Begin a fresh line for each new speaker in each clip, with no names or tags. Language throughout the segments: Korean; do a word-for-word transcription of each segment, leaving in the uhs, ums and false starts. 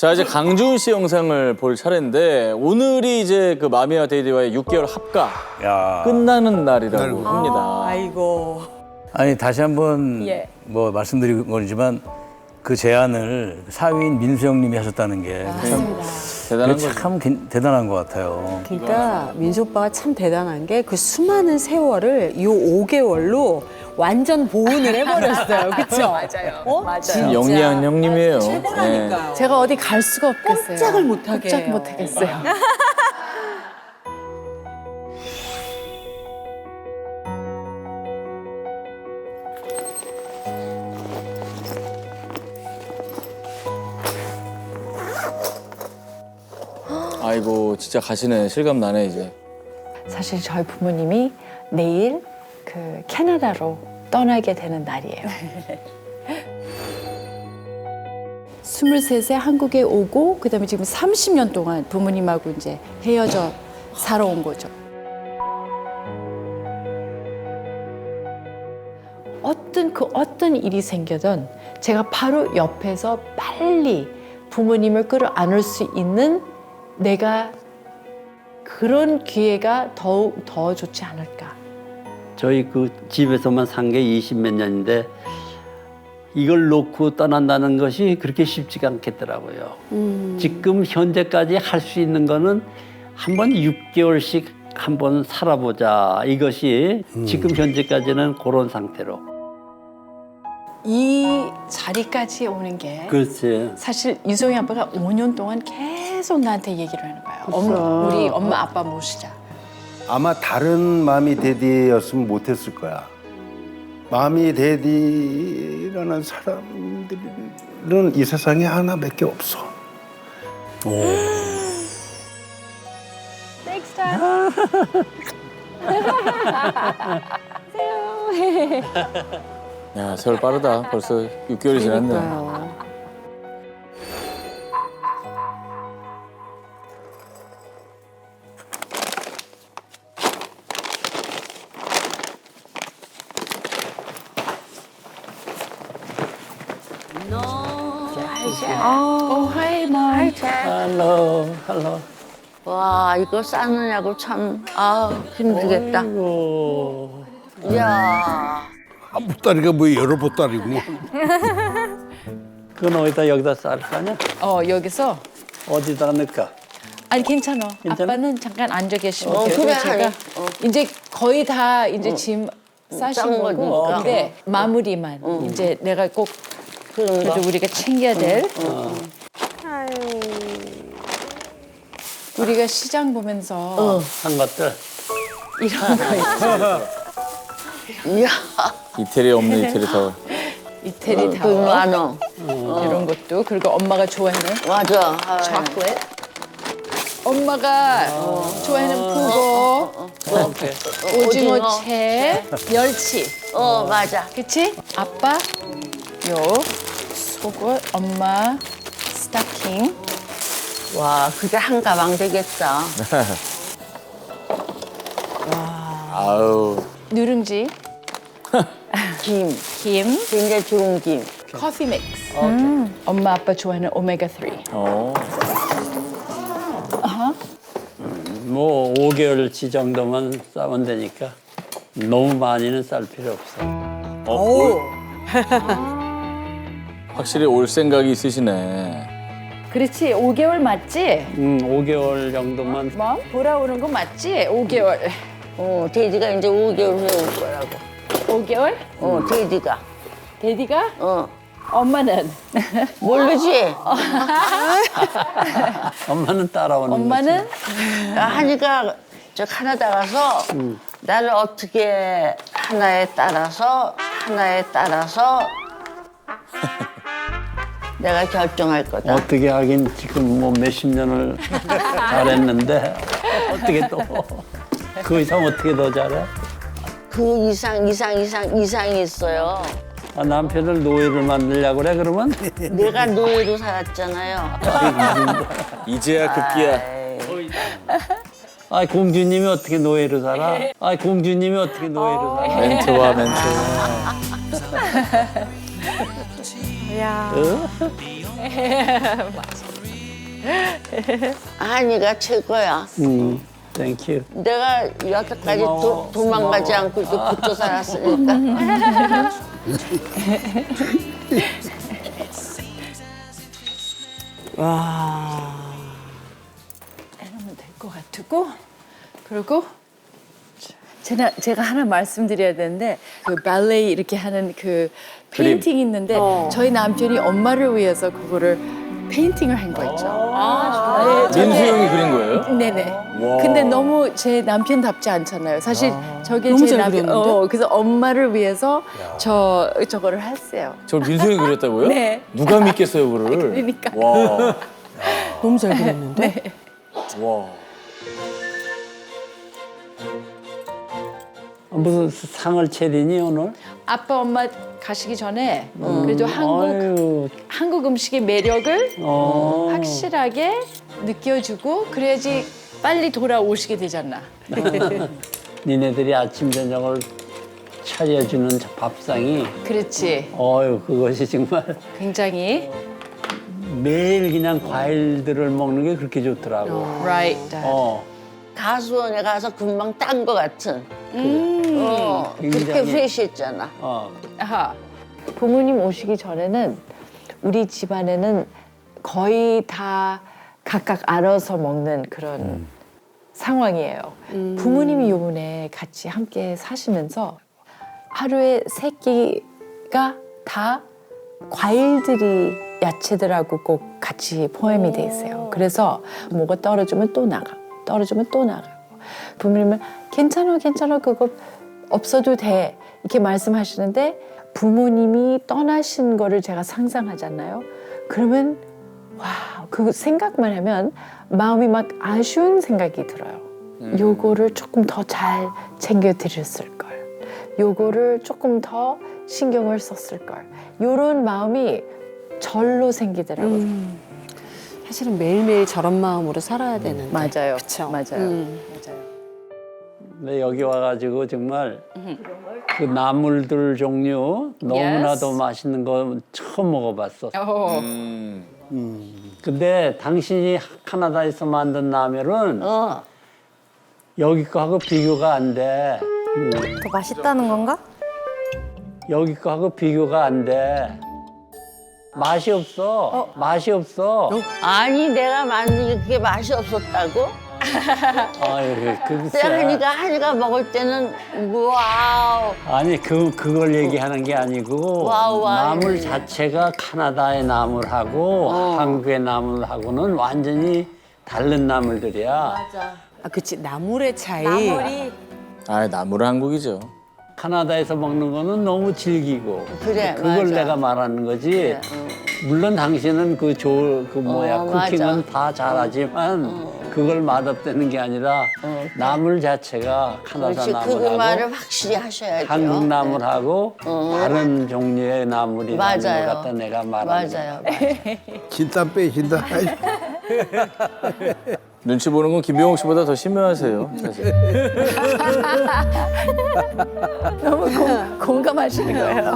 자, 이제 강주훈 씨 영상을 볼 차례인데 오늘이 이제 그 마미와 데이디와의 육 개월 합가
야.
끝나는 날이라고 합니다.
아이고.
아니 다시 한번
예.
뭐 말씀드린 거지만 그 제안을 사위인 민수영 님이 하셨다는 게 참
대단한 거죠.
참 대단한 것 같아요.
그러니까 민수 오빠가 참 대단한 게 그 수많은 세월을 이 오 개월로 완전 보온을 해버렸어요. 그쵸? 맞아요. 어? 맞아요.
영리한 형님이에요.
최고라니까요.
제가 어디 갈 수가 없겠어요.
꼼짝을 못하게
꼼짝
해요.
못하겠어요.
아이고 진짜 가시네. 실감 나네 이제.
사실 저희 부모님이 내일 그 캐나다로 떠나게 되는 날이에요. 스물셋에 한국에 오고 그다음에 지금 삼십 년 동안 부모님하고 이제 헤어져 살아온 거죠. 어떤 그 어떤 일이 생겨든 제가 바로 옆에서 빨리 부모님을 끌어안을 수 있는 내가 그런 기회가 더욱 더 좋지 않을까.
저희 그 집에서만 산 게 이십 몇 년인데 이걸 놓고 떠난다는 것이 그렇게 쉽지가 않겠더라고요.
음.
지금 현재까지 할 수 있는 거는 한번 육 개월씩 한번 살아보자. 이것이 지금 현재까지는 그런 상태로.
이 자리까지 오는 게
그렇지.
사실 유성이 아빠가 오 년 동안 계속 나한테 얘기를 하는 거예요. 엄, 우리 엄마 아빠 모시자.
아마 다른 마미 데디였으면 못했을 거야. 마미 데디라는 사람들은 이 세상에 하나밖에 없어.
야 세월 빠르다. 벌써 육 개월이 지났네.
그러니까요.
오, 하이, 마.
할로, 할로.
와 이거 싸느냐고 참 아 힘들겠다.
아이고.
이야
한 보따리가 뭐 여러 보따리고.
그건 어디다 여기다 쌀 거냐?
어, 여기서.
어디다 넣을까?
아니, 괜찮아.
괜찮아?
아빠는 잠깐 앉아 계시면
어,
돼요.
그래,
제가
하네. 어.
이제 거의 다 이제 짐 싸신
싼
거고.
거니까.
근데 마무리만. 이제 내가 꼭
그런 거.
그래도 우리가 챙겨야 될. 우리가 시장 보면서
한 것들.
이런 거 있어.
이야
이태리 없는 이태리 타월.
이태리
그
타워
만원
이런 것도 그리고 엄마가 좋아하는
맞아. 아이.
초콜릿. 엄마가 좋아하는 푸고,
오케이.
오징어
오징어.
채, 멸치.
어 맞아.
그치? 아빠, 요, 속옷, 엄마, 스타킹.
와 그게 한 가방 되겠다.
아우.
누룽지,
김
김,
굉장히 좋은 김.
커피 믹스. 엄마, 아빠 좋아하는 오메가 쓰리.
어.
뭐 오 개월치 정도만 싸면 되니까 너무 많이는 쌀 필요 없어.
어 올. 확실히 올 생각이 있으시네.
그렇지, 오 개월 맞지?
음, 오 개월 정도만.
뭐? 돌아오는 거 맞지? 오 개월.
어 돼지가 이제 오 개월 후에 올 거라고.
오 개월?
어 돼지가.
데디가?
어
엄마는?
모르지.
엄마는 따라오는
엄마는?
나 하니까 저 캐나다 가서 나를 어떻게 하나에 따라서 하나에 따라서 내가 결정할
거지.
거다.
어떻게 하긴 지금 뭐 몇십 년을 잘했는데 어떻게 또 그 이상 어떻게 더 잘해?
그 이상 이상 이상 이상이 있어요.
아, 남편을 노예를 만들려고 그래 그러면?
내가 노예로 살았잖아요.
이제야 급기야.
아 공주님이 어떻게 노예로 살아? 아 공주님이 어떻게 노예로 살아?
멘트와 멘트.
어?
한이가 최고야.
음, 땡큐.
내가 여태까지 도,
고마워.
도망가지
고마워.
않고 이렇게 붙어 살았으니까.
하면 될 것 같고 그리고 제가 제가 하나 말씀드려야 되는데 그 발레 이렇게 하는 그
그림.
페인팅 있는데 저희 남편이 엄마를 위해서 그거를 페인팅을 한 거 있죠. 아, 네,
민수
저게-
형이 그린 거예요?
네네.
와.
근데 너무 제 남편답지 않잖아요. 사실 저게
너무
제
잘
남편.
그렸는데?
어, 그래서 엄마를 위해서 저 저거를 했어요.
저걸 민수 형이 그렸다고요?
네.
누가 믿겠어요, 그거를?
그러니까.
와.
너무 잘 그렸는데.
와.
무슨 상을 차리니 오늘?
아빠 엄마 가시기 전에 그래도 한국
아유,
한국 음식의 매력을
어.
확실하게 느껴주고 그래야지 빨리 돌아오시게 되잖아.
니네들이 아침 저녁을 차려주는 저 밥상이
그렇지.
어유 그것이 정말
굉장히
매일 그냥 과일들을 먹는 게 그렇게 좋더라고.
right.
어.
가수원에 가서 금방 딴 거 같은. 어, 그렇게
굉장히.
프레시했잖아.
어.
아하. 부모님 오시기 전에는 우리 집안에는 거의 다 각각 알아서 먹는 그런 상황이에요. 부모님이 요번에 같이 함께 사시면서 하루에 세 끼가 다 과일들이 야채들하고 꼭 같이 포함이 돼 있어요. 그래서 뭐가 떨어지면 또 나가, 떨어지면 또 나가고. 부모님은 괜찮아, 괜찮아, 그거 없어도 돼 이렇게 말씀하시는데 부모님이 떠나신 거를 제가 상상하잖아요. 그러면 와, 그 생각만 하면 마음이 막 아쉬운 생각이 들어요. 요거를 조금 더 잘 챙겨 드렸을 걸. 요거를 조금 더 신경을 썼을 걸. 요런 마음이 절로 생기더라고요.
사실은 매일매일 저런 마음으로 살아야 되는데.
맞아요.
그쵸.
맞아요.
음.
근데 여기 와가지고 정말 그 나물들 종류 너무나도
Yes.
맛있는 거 처음 먹어봤어.
어.
음.
근데 당신이 캐나다에서 만든 라면은
어.
여기 거하고 비교가 안 돼. 음.
더 맛있다는 건가?
여기 거하고 비교가 안 돼. 맛이 없어. 맛이 없어.
아니 내가 만든 게 그게 맛이 없었다고?
아유,
근데
글쎄.
한이가 한이가 먹을 때는 와우.
아니 그 그걸 얘기하는 게 아니고
와우, 와우.
나물 자체가 캐나다의 나물하고 한국의 나물하고는 완전히 다른 나물들이야.
아, 그치. 나물의 차이.
나물이
아, 나무는 한국이죠.
캐나다에서 먹는 거는 너무 질기고
그래,
그걸
맞아.
내가 말하는 거지.
그래,
물론 당신은 그 조 그 뭐야
어,
쿠킹은
맞아.
다 잘하지만 그걸 맛없다는 게 아니라 나물 자체가 캐나다
그렇지 그
나물하고
말을 확실히 하셔야죠.
한국 나물하고
어.
다른 종류의 나물이라는
맞아요.
걸 갖다 내가 말하는 거야.
맞아요. 맞아요.
진땀 빼신다. 아이,
눈치 보는 건 김병욱 씨보다 더 심해하세요. 사실.
너무 공, 공감하시는 거예요.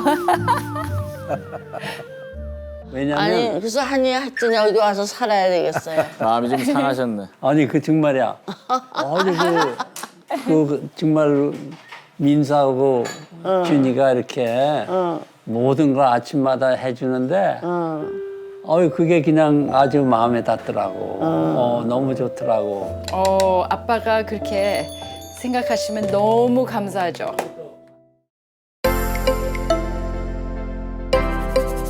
왜냐면
아니
아니,
그래서 한이 하여튼 여기 와서 살아야 되겠어요.
마음이 좀 상하셨네.
그 정말이야. 아주 그, 그 정말 민수하고 준이가 이렇게 모든 걸 아침마다 해주는데 어유 그게 그냥 아주 마음에 닿더라고. 어, 너무 좋더라고.
어, 아빠가 그렇게 생각하시면 너무 감사하죠.